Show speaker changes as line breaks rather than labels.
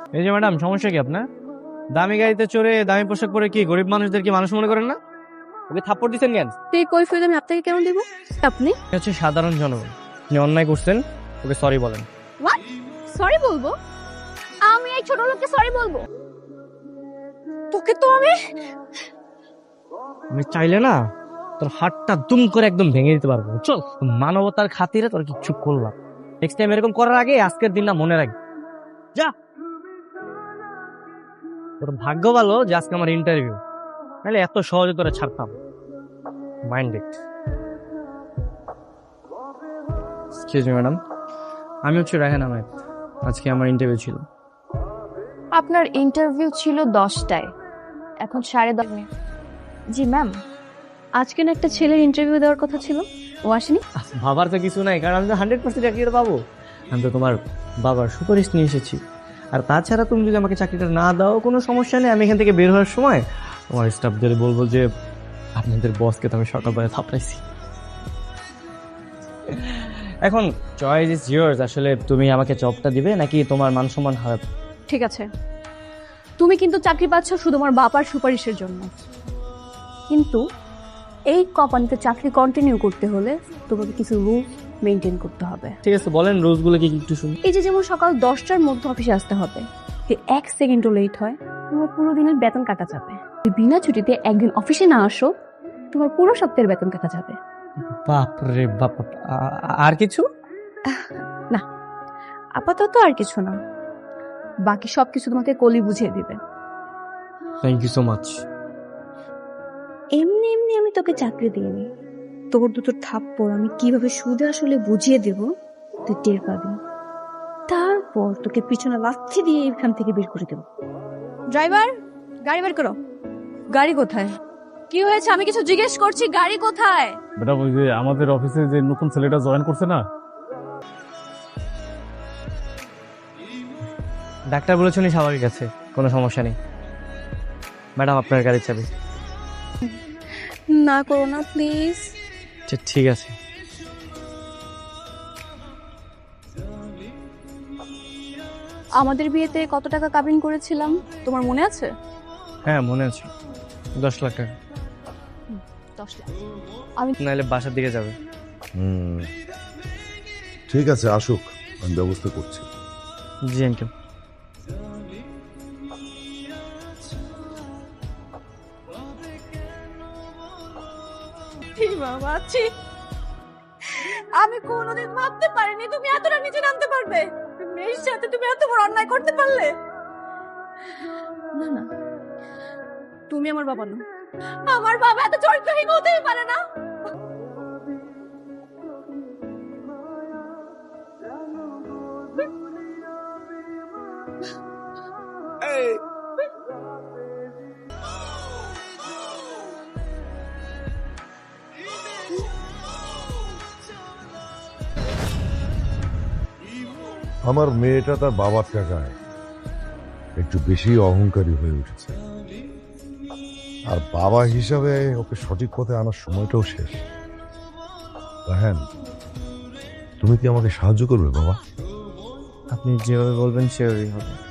এই যে ম্যাডাম, সমস্যা কি আপনার? দামি গাড়িতে চড়ে দামি পোশাক পরে কি গরিব মানুষদের কি মানুষ মনে করেন না? ওকে থাপ্পড় দিচ্ছেন কেন?
এই কৈফিয়ত আমি আপনাকে কেন দিব? আপনি
আপনি হচ্ছে সাধারণ জনগণ, আপনি অন্যায় করছেন, ওকে সরি বলেন।
হোয়াট? সরি বলবো? আমি এই ছোট লোককে সরি বলবো? তোকে তো
আমি চাইলে না তোর হাতটা দুম করে একদম ভেঙে দিতে পারবো। চল, মানবতার খাতিরে তোর কিচ্ছু করলাম। নেক্সট টাইম এরকম করার আগে আজকের দিনটা মনে রাখবি। যা, তোর ভাগ্য ভালো যে আজকে আমার ইন্টারভিউ, নাহলে এত সহজে তোরা ছাড়তাম। Mind it. Excuse me madam, আমি হচ্ছে রায়হান আহমেদ। আজকে আমার ইন্টারভিউ ছিল।
আপনার ইন্টারভিউ ছিল 10টায়, এখন 10:30। জি ম্যাম, আজকে না একটা ছেলের ইন্টারভিউ দেওয়ার কথা ছিল, ও আসেনি।
ভাবার তো কিছু নাই, কারণ আমি তো 100% চাকরিটা পাবো। আমি তো তোমার বাবার সুপারিশ নিয়ে এসেছি। আর তাছাড়া তুমি যদি আমাকে চাকরিটা না দাও কোনো সমস্যা নেই, আমি এখান থেকে বের হওয়ার সময় তোমার স্টাফদের বলবো যে আপনাদের বসকে তো আমি সকালবেলা থাপড়াইছি। এখন চয়েস ইজ ইয়ার্স। আসলে তুমি আমাকে জবটা দিবে নাকি তোমার মান সম্মান হারাবে?
ঠিক আছে, তুমি কিন্তু চাকরি পাচ্ছ শুধু আমার বাবার সুপারিশের জন্য, কিন্তু এই কোম্পানিতে চাকরি কন্টিনিউ করতে হলে তোমাকে কিছু রুল মেনটেন করতে হবে।
ঠিক আছে, বলেন রুলসগুলো কি একটু শুনি।
এই যে যেমন সকাল 10টার মধ্যে অফিসে আসতে হবে, যদি 1 সেকেন্ডও লেট হয় তোমার পুরো দিনের বেতন কাটা যাবে। যদি বিনা ছুটিতে একদিন অফিসে না আসো, তোমার পুরো সপ্তাহের বেতন কাটা যাবে।
বাপ রে বাপ। আর কিছু?
না, আপাতত আর কিছু না, বাকি সবকিছু তোমাকে কলি বুঝিয়ে দিবে।
Thank you so much.
এমনি এমনি আমি তোকে চাকরি দিইনি, তোর দুটো থাপ্পড় আমি কিভাবে সুদে আসলে বুঝিয়ে দেব তুই টের পাবি। তারপর তোকে পিছনে লাথি দিয়ে এখান থেকে বের করে দেব। ড্রাইভার, গাড়ি বের করো। গাড়ি কোথায়? কি হয়েছে? আমি কিছু জিজ্ঞেস করছি, গাড়ি কোথায়?
ম্যাডাম, ওই যে আমাদের অফিসে যে নতুন ছেলেটা জয়েন করছে না,
ডাক্তার বলেছেন স্বাভাবিক আছে, কোনো সমস্যা নেই। ম্যাডাম, আপনার গাড়ির চাবি।
না করো না প্লিজ।
আচ্ছা, ঠিক আছে।
আমাদের বিয়েতে কত টাকা কাবিন করেছিলাম তোমার মনে আছে?
হ্যাঁ, মনে আছে। 10 লাখ টাকা।
10 লাখ। আমি
নাহলে বাসার দিকে যাবে।
ঠিক আছে, আসুক, আমি ব্যবস্থা করছি।
জি আঙ্কেল।
বাবা আছি, আমি কোনোদিন ভাবতে পারিনি তুমি এতটা নিচে নামতে পারবে। মেয়ের সাথে তুমি এত বড় অন্যায় করতে পারলে। না না, তুমি আমার বাবা না। আমার বাবা এত চরিত্রহীন হতেই পারে না।
আমার মেয়েটা তার বাবার টাকায় একটু বেশি অহংকারী হয়ে উঠেছে, আর বাবা হিসাবে ওকে সঠিক পথে আনার সময়টাও শেষ। রায়হান, তুমি কি আমাকে সাহায্য করবে বাবা?
আপনি যেভাবে বলবেন সেভাবেই হবে।